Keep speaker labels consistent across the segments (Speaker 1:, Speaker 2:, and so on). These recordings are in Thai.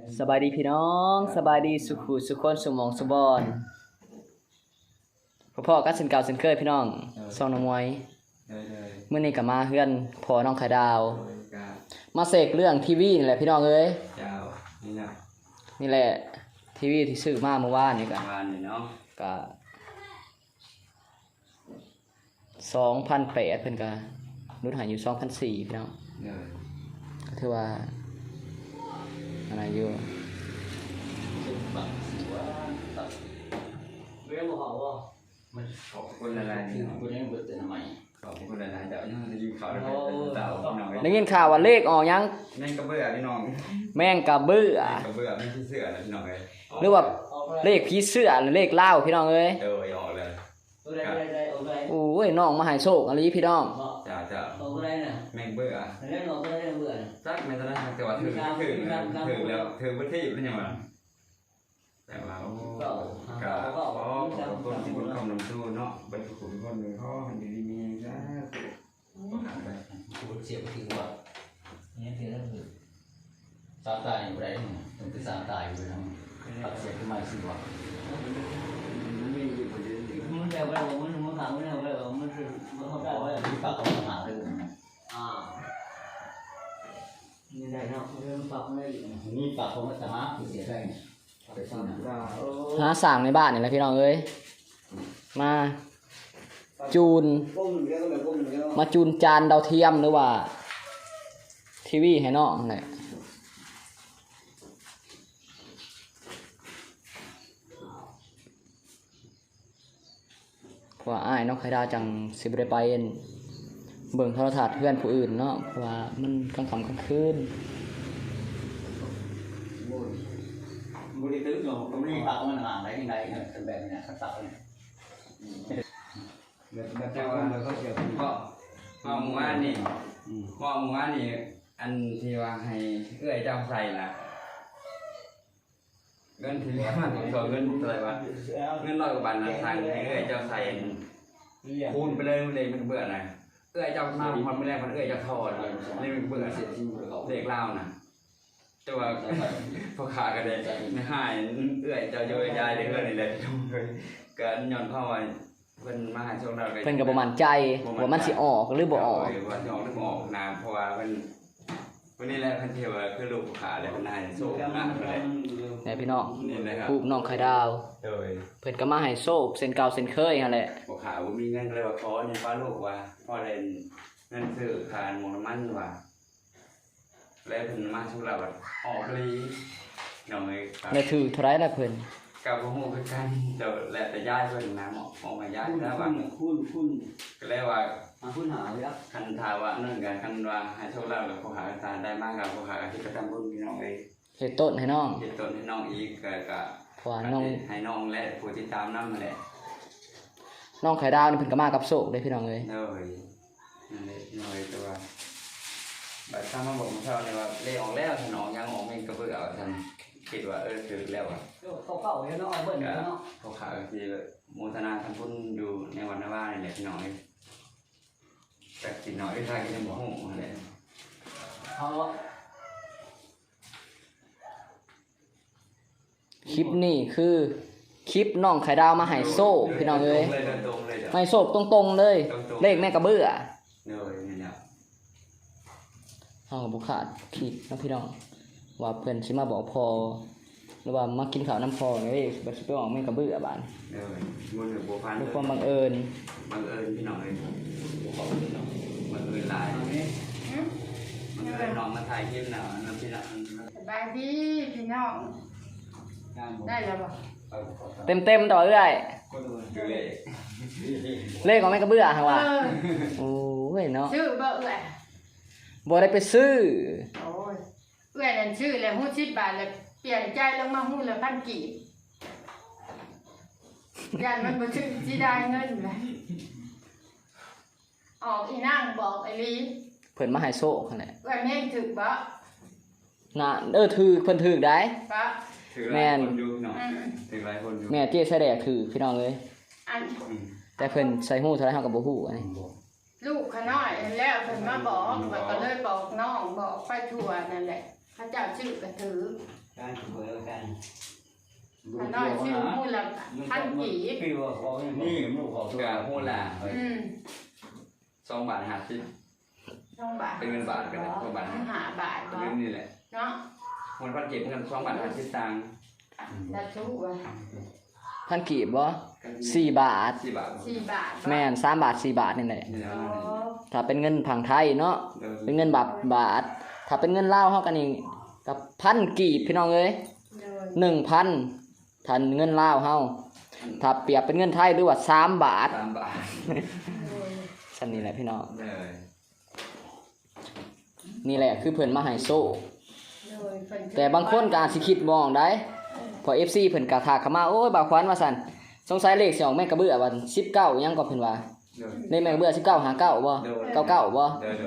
Speaker 1: สบายดีพี่น้องสบายดีสุขุสุขคนสุหมองสุบอนพ่อๆก็เส้นเก่าเส้นเคยพี่น้องซองน้องมวยมื้อนี้ก็มาเฮือนพ่อน้องไข่ดาวมาเสกเรื่องทีวีนี่แหละพี่น้องเอ้ยนี่แหละทีวีที่ซื้อมาเมื่อวานนี่ก็ก็2,800เพิ่นก็นุดหายอยู่ 2,400 พี่น้องก็ถือว่าอะไรอยู่เรื่องบ่ฮอดบ่มันขอบคุณหลายๆนี่คุณยังบ่เตือนใหม่ขอบคุณหลายๆเจ้ายังจะยิงข่าวได้เจ้าพี่น้องได้ยินข่าวว่าเลขออกยังแม่งกระเบื้อพี่น้องแม่งกระเบื้อแม่งผีเสื้อนะพี่น้องเอ้ยหรือว่าเลขผีเสื้อหรือเลขลาวพี่น้องเอ้ยออกเลยโอ้ยน้องมาให้โชคอะไรพี่น้องจ้าออกได้น่ะแม่งเบื่อเล่นออกได้เบื่อจักแม่นตอนนั้นแต่ว่าถึงแล้วถึงประเทศเป็นยังไงแต่ว่าก็ขอบคุณคำนำสู้เนาะเป็นคนคนหนึ่งเขาหันดีมีจ้าคุณเสียไปถึงว่าเนี่ยคือนั่นคือสามตายอยู่ได้มันคือสามตายอยู่นะตัดเสียขึ้นมาสิวะมันแต่ว่ามันถามว่ามันคือมันเขาได้ว่าที่ปากเขาหาเลยนี่ได้เนาะเรื่องปากไม่ได้นี่ปากเขาจะหาเสียได้หาสั่งในบ้านนี่แหละพี่น้องเอ้ยมาจูนจานดาวเทียมหรือว่าทีวีให้น้องแหละเพราะว่าอ้ายน้องไข่ดาวจังสิบได้ไปเบิ่งโทรทัศน์เพื่อนผู้อื่นเนาะเพราะว่ามันกลางค่ำกลางคืนบริตื้อเนาะผมนี่ปากมันห่างได้ยังไงเป็นแบบนี้สักตักเนี่ยแต่ว่าเราก็เกี่ยวกับพ่อหมู่บ้านนี่อันที่ว่าให้เอื้อยเจ้าใส่น่ะเงินที่มาถึงเงินอะไรวะเงิน100 กว่าบาทนะทางให้เอื้อยเจ้าใส่คูณไปเลยมันเบื่อหน่อยเอื้อยเจ้ามาพอไม่แรกมันเอื้อยเจ้าทอดนี่มันเบื่อเด็กเล่าน่ะแต่ว่าพอขากันเลยไม่หายเอื้อยเจ้าโยยายเด็กนี่แหละก็ย้อนเข้าไปเพิ่นมาหาโชคเราเพิ่นก็บ่มั่นใจว่ามันสิออกหรือบ่ออกว่าสิออกหรือบ่ออกนะเพราะว่าวันนี้แหละเพิ่นเที่ยวคือลูกขาเลยเพิ่นให้โชคนะแม่พี่น้องนี่แหละครับลูกน้องไข่ดาวเพิ่นก็มาให้โชคเส้นเก่าเส้นเคยนั่นแหละบ่ขาบ่มีเงินเลยว่าขอเนี่ยฟ้าลูกว่าพอได้เงินซื้อคานหมูน้ำมันว่าแล้วเพิ่นมาโชคเราออกลีน้องเอ้ยแล้วถือเท่าไหร่ล่ะเพิ่นกับบ่ฮู้คือกันเดี๋ยวแล้วแต่ย้ายเพิ่นนะหมอมาย้ายแล้วว่าคุณก็เลยว่าคุณหาเลยครับคันถามว่านั่นกันคันว่าให้โชคลาภกับผู้หาตาได้มากกับผู้หาที่กระทำบุญพี่น้องเอ้ยเฮ็ดต้นให้น้องอีกก็เพราะน้องให้น้องและผู้ที่ตามนำนั่นแหละน้องไข่ดาวนี่เพิ่นก็มากับโชคเด้พี่น้องเอ้ยนั่นแหละน้อยตัวบัดถ้ามาบอกมื้อเช้านี่ว่าเลขออกแล้วถ้าน้องยังออกแม่งก็เบิ่งเอาท่านคิดว่าถึงแล้วอ่ะเขาเนาะเบิ่นเนาะเขาขาที่โมทนาทำบุญอยู่ในวันนาว่านี่แหละพี่น้องแต่กินน้อยได้ก็จะบ่ฮู้นั่นแหละคลิปนี้คือคลิปน้องไข่ดาวมาให้โซ่พี่น้องเอ้ยให้โซ่ตรงๆเลยเลขแม่กระเบื้อเฮาบ่ขาดคลิปนะพี่น้องว่าเพิ่นสิมาบอกพอหรือว่ามากินข้าวน้ำพอนี่บ่สิไปออกแม่กระเบื้อบาดด้วยความบังเอิญพี่น้องเอ้ยบังเอิญหลายบังเอิญน้องมาถ่ายคลิปน่ะนำพี่น้องสบายดีพี่น้องได้แล้วบ่เต็มต่อเรื่อยเลขของแม่กระเบื้อหั่นว่าโอ้ยเนาะชื่อบ่เอื้อยบ่ได้ไปซื้อโอ้ยเอื้อยนั่นชื่อแล้วฮู้10 บาทแล้วเปลี่ยนใจลงมาฮู้ละ1,000 กีบยันมันบ่ชื่อสิได้เงินเลยออกอีนางบอกไอ้ลีเพิ่นมาให้โซ่คั่นแหละเอื้อยแม่งถึกบ่น่ะถือเพิ่นถึกได้บ่แม่นอยู่เนาะถึกหลายคนอยู่แม่เจ๊ใส่แดกถือพี่น้องเอ้ยแต่เพิ่นใส่ฮู้เท่าไหร่เฮาก็บ่ฮู้อันนี้ลูกขน้อยแล้วเพิ่นมาบอกก็เลยบอกน้องบอกไปทั่วนั่นแหละพระเจ้าชื่อก็ถือ
Speaker 2: ขน้อยชื่อมูลละพันกีบ
Speaker 1: นี่กับโหล่ะ2 บาท50
Speaker 2: 2 บาท
Speaker 1: เป็นเงินบาทกันนะ2 บาท
Speaker 2: 5 บาท
Speaker 1: เรื่องนี้แหละ
Speaker 2: เนาะ
Speaker 1: มันพันเก็บเงิน2 บาท50 ตังค์
Speaker 2: จะชู้ว่า
Speaker 3: พันกีบบ่4 บาท
Speaker 1: 4 บาท
Speaker 2: 4 บาท
Speaker 3: แม่น3 บาท 4 บาทนี่แหละ
Speaker 1: นี่แล้ว
Speaker 3: ถ้าเป็นเงินผังไทยเนาะเป็นเงินบาทถ้าเป็นเงินลาวเฮากันนี่กับพันกีบพี่น้องเอ้ย 1,000ถ้าเงินลาวเฮาถ้าเปรียบเป็นเงินไทยหรือว่า3 บาท
Speaker 1: 3 บาท
Speaker 3: ซั่นนี่แหละพี่น้อง
Speaker 1: เลย
Speaker 3: นี่แหละคือเพิ่นมาให้โซ่แต่บางคนก็อาจสิคิดมองได้พอ FC เพิ่นก็ทักเข้ามาโอ้ยบ่าวขวัญว่าซั่นสงสัยเลขสิออกแม่กระเบื้อวัน19ยังก็เพิ่นว่าในแม่กระเบื้อ19 59บ่99บ่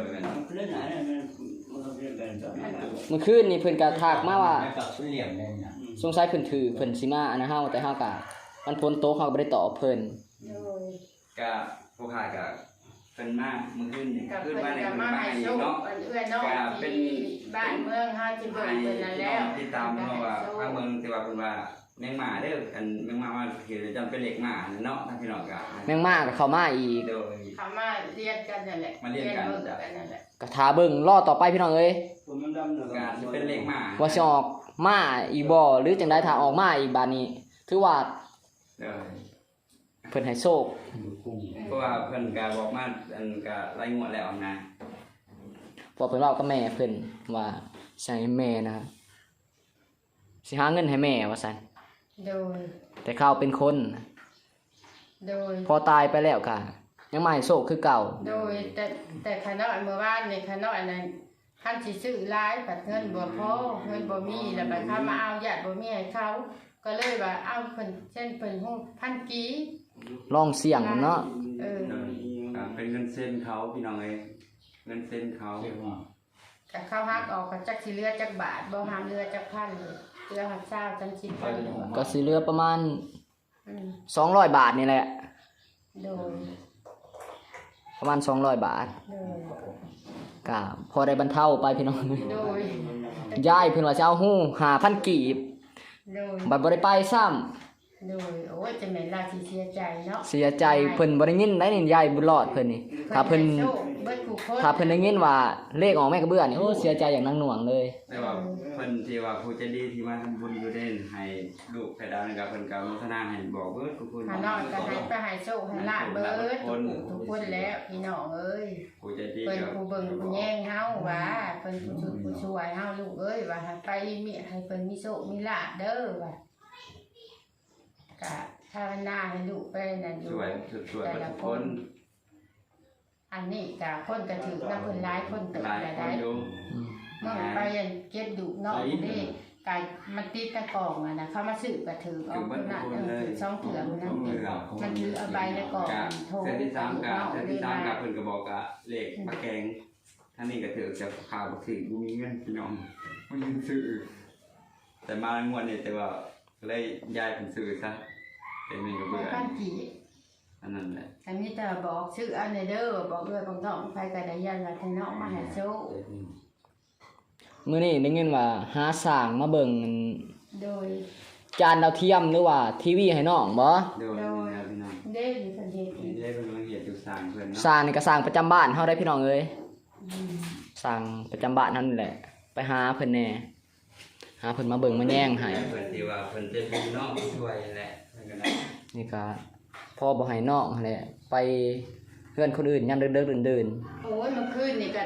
Speaker 3: เมื่อคืนนี่เพิ่นก็ทักมาว่าสงสัยเพิ่นถือเพิ่นสิมาอันนั้นเฮาแต่เฮาก็มันฝนตกเฮาก็บ่ได้ตอบเพิ่น
Speaker 1: ก็ผู้ขายก็เป็นมากมื้อคืนนี่
Speaker 2: กับ
Speaker 1: คืน
Speaker 2: เพิ่น
Speaker 1: บ้านใน
Speaker 2: ก็
Speaker 1: เมือง
Speaker 2: มา
Speaker 1: บ้าน
Speaker 2: ให้
Speaker 1: อีก
Speaker 2: โชค
Speaker 1: เนาะ
Speaker 2: เอื้อน้องที่บ้านเมืองเฮาสิเบิ่งเพิ่นนั่นแล้ว
Speaker 1: ติดตามเนาะว่าทางเมืองที่ว่าเพิ่นว่าแมงมาเด้ออันแมงมาว่าคือจำเป็นเหล็กมาเนาะทางพี่น้องก็
Speaker 3: แม่งมาก็เข้ามาอีก
Speaker 1: โดย
Speaker 2: เขามาเรียนกันนั่นแหละ
Speaker 1: มาเรียนกัน
Speaker 2: เบิ่งกันนั่นแหละ
Speaker 3: ก็ท่าเบิ่งรอต่อไปพี่น้องเอ้ย
Speaker 1: การสิเป็นเหล็กมา
Speaker 3: ว่าสิออกมาอีกบ่หรือจังได๋ถ้าออกมาอีกบาดนี้ถือว่า
Speaker 1: โดย
Speaker 3: เพิ่นให้โชค
Speaker 1: เพราะว่าเพิ่นก็บอกมาอันก็รายงวดแล้วนะ
Speaker 3: เพราะเพิ่นเว้ากับแม่เพิ่นว่าใช้แม่นะสิหาเงินให้แม่ว่าซั่น
Speaker 2: โดย
Speaker 3: แต่เขาเป็นคน
Speaker 2: โดย
Speaker 3: พอตายไปแล้วก็ยังมาให้โชคคือเก่า
Speaker 2: โดยแต่ขน้อยเมื่อวานนี่ขน้อยนั้นคันสิซื้อหลายบัดเงินบ่พอเงินบ่มีแล้วบัดเขามาเอาญาติบ่มีให้เขาก็เลยว่าเอาเพิ่นเช่นเพิ่นฮู้พันกี
Speaker 3: ลองเสี่ยงเนาะ
Speaker 1: ก็เป็นเงินเส้นเขาพี่น้องเอ้ยเงินเส้นเขา
Speaker 2: แต่เขาหักออกก็จักสิเหลือจักบาทบ่ห้ามเหลือจักพันเลยเหลือหัก20จัง10พัน
Speaker 3: ก็สิเหลือประมาณ
Speaker 2: อืม
Speaker 3: 200 บาทนี่แหละ
Speaker 2: โดย
Speaker 3: ประมาณ200 บาท
Speaker 2: โดย
Speaker 3: ก็พอได้บรรเทาไปพี่น้อง
Speaker 2: โดย
Speaker 3: ยายเพิ่นว่าจะเอาฮู้5,000กีบ
Speaker 2: โดย
Speaker 3: บัดบ่ได้ไปซ้ำ
Speaker 2: โดยโอ้ยจะแม่นราสิเสียใจเนาะ
Speaker 3: เสียใจเพิ่นบ่ได้ยินได้นี่ยายบุญรอดเพิ่นนี่ถ้าเพิ่น
Speaker 2: โชคเบิดผู้คน
Speaker 3: ถ้าเพิ่นได้ยินว่าเลขออกแม่กระเบื้อนี่โอ้เสียใจอย่างนักหน่วงเลย
Speaker 1: แต่ว่าเพิ่นที่ว่าผู้ใจดีที่มาทำบุญอยู่เด่นให้ลูกไข่ดาวนี่ก็เพิ่นก็มุทนาให้บอกเบิดทุกคน
Speaker 2: หาน้อยก็ให้ไปให้โชคให้ลาบเบิดทุกคนแล้วพี่น้องเอ้ย
Speaker 1: ผู้ใจดี
Speaker 2: เพิ่น
Speaker 1: ก็
Speaker 2: ผู้เบิ่งผู้แย่งเฮาว่าเพิ่นผู้ช่วยผู้ช่วยเฮาลูกเอ้ยว่าให้ไปมีให้เพิ่นมีโชคมีลาภเด้อว่าก็ภาวนาให้ลูกไปนั่นอยู่
Speaker 1: สวยทุกคน
Speaker 2: อันนี้ก็คนก็ถือนำเพิ่นหลายคนเติบ
Speaker 1: หลาย
Speaker 2: ได้
Speaker 1: คนอยู่
Speaker 2: เมื่อไปอันเก็บดุเนาะนี่กายมันติดตะกล่องอ่ะนะเขามาซื้อก็ถือเอาคนน่ะถือ2เถื่อมันนั่นมันถือเอาใบในกล่องโทร
Speaker 1: เส้นที่3กับ
Speaker 2: เนาะ
Speaker 1: เส้น
Speaker 2: เล
Speaker 1: ที่
Speaker 2: ย
Speaker 1: 3
Speaker 2: มา
Speaker 1: กับเพิ่นก็บอกว่าเลขปลาแกงท่านนี้ก็ถือจะข่าวบ่ถึงบ่มีเงินพี่น้องบ่มีซื้อแต่มางวดนี้แต่ว่าเลยย้ายเป็นซื้อซะแต่มีก็เบื่อ
Speaker 2: บ้านกี่
Speaker 1: อันนั้นแหละ
Speaker 2: อันนี้แต่บอกชื่ออันเด้อบอกเลยบางท้องไปก็ได้ยันว่าทน้องมาให้โชค
Speaker 3: มื้อนี้ได้ยินว่าหาสร้างมาเบิ่ง
Speaker 2: โดย
Speaker 3: จานดาวเทียมหรือว่าทีวีให้น้องบ่
Speaker 1: เดี๋ยวนี่นะพี่น้อง
Speaker 2: เด้อสันเดช
Speaker 1: นี่ได้เป็นกำลังเหตุอยู่สร้างเพิ่นเนาะ
Speaker 3: สร้างนี่ก็สร้างประจำบ้านเฮาได้พี่น้องเอ้ยสร้างประจำบ้านเฮานี่แหละ ไปหาเพิ่นแหน่หาเพิ่นมาเบิ่งมาแย่งให้
Speaker 1: เพิ่นที่ว่าเพิ่นจะมีน้องช่วยแหละเพิ่นก็ได้
Speaker 3: นี่ก็พ่อบ่ให้น้องนั่นแหละไปเพื่อนคนอื่นยามเดิกๆเดิน
Speaker 2: โอ้ยเมื่อคืนนี่ก็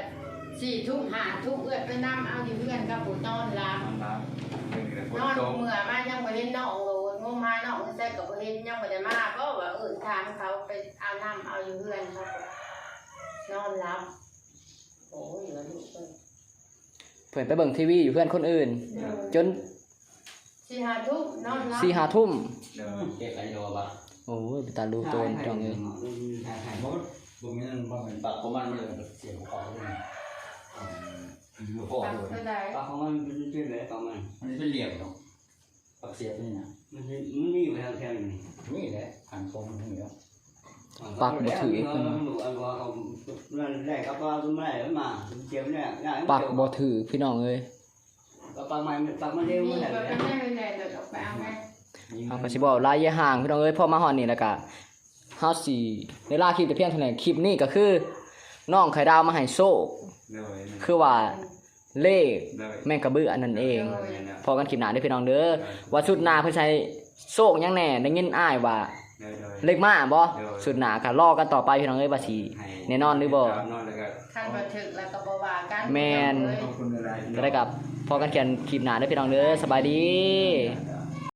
Speaker 2: 4 ทุ่ม5 ทุ่มเอื้อไปนำเอาอยู่เพื่อนกับผู้นอนหลับ
Speaker 1: ครับเพิ่นก็ฝ
Speaker 2: น
Speaker 1: น
Speaker 2: อน
Speaker 1: ตก
Speaker 2: เมื่อมายังบ่เห็นน้องโลดงมหาน้องใส่กับบ่เห็นยังบ่ได้มาก็ว่าถามเขาไปเอาน้ำเอาอยู่เพื่อนเขานอนหลับโอ้ยเหลือลูกเอ้ย
Speaker 3: ๆเพิ่นไปเบิ่งทีวีอยู่เพื่อนคนอื่น จน
Speaker 2: 4-5 ทุ่มนอนหลับ
Speaker 3: 4-5 ทุ่ม
Speaker 1: เดี๋ยว
Speaker 4: เก็บอะไรโยบะ
Speaker 3: โอ้ยไปตาดูโตนพี่น้องเอ้ย
Speaker 4: หายหมดตรงนี้มันเป็นปากของมันเลยเสียงของเขาเลยโอ้โห
Speaker 2: ปักเท่าใด
Speaker 4: ปากของมันเป็นชื่ออะไรปากมันมันเป็นเหลี่ยมเนาะปากเสียบนี่นะมันมีอยู่แถวๆนี่นี่แหละหันตรงนี่แล้ว
Speaker 3: ปากบ่ถือเพิ่น
Speaker 4: นั่นแรกก็ปากไม่ได้มาเจ็บเนี่ย
Speaker 3: ปากบ่ถือพี่น้องเอ้ย
Speaker 4: ก็ปักมันปักมันเร็ว
Speaker 2: นี่
Speaker 4: มันแหละ
Speaker 2: บ่เป็นแน่เลยออกไปเอาแม่
Speaker 3: เอาก็สิบอกลายยะห่างพี่น้องเอ้ยพอมาฮอดนี่แล้วก็เฮาสิเวลาคลิปแต่เพียงเท่านั้นคลิปนี้ก็คือน้องไข่ดาวมาให้โชค
Speaker 1: เลย
Speaker 3: คือว่าเลข
Speaker 1: เลย
Speaker 3: แม่งกระเบื้ออันนั้นเอง
Speaker 1: เลย
Speaker 3: พอกันคลิปหน้าเด้อพี่น้องเด้อว่าสุดหน้าเพิ่นใช้โชคยังแน่ได้ยินอ้ายว่า
Speaker 1: เลย
Speaker 3: เลขมาบ่สุดหน้าก็รอกันต่อไปพี่น้องเอ้ยว่าสิแน่นอนหรือบ่
Speaker 1: นอนแล้วก็
Speaker 2: คันบ่ถึกแล้วก็บ่ว่ากัน
Speaker 3: แม่น
Speaker 1: ขอบคุณอะไร
Speaker 3: ก็ได้กับพอกันเขียนคลิปหน้าเด้อพี่น้องเด้อสบายดี
Speaker 1: เอ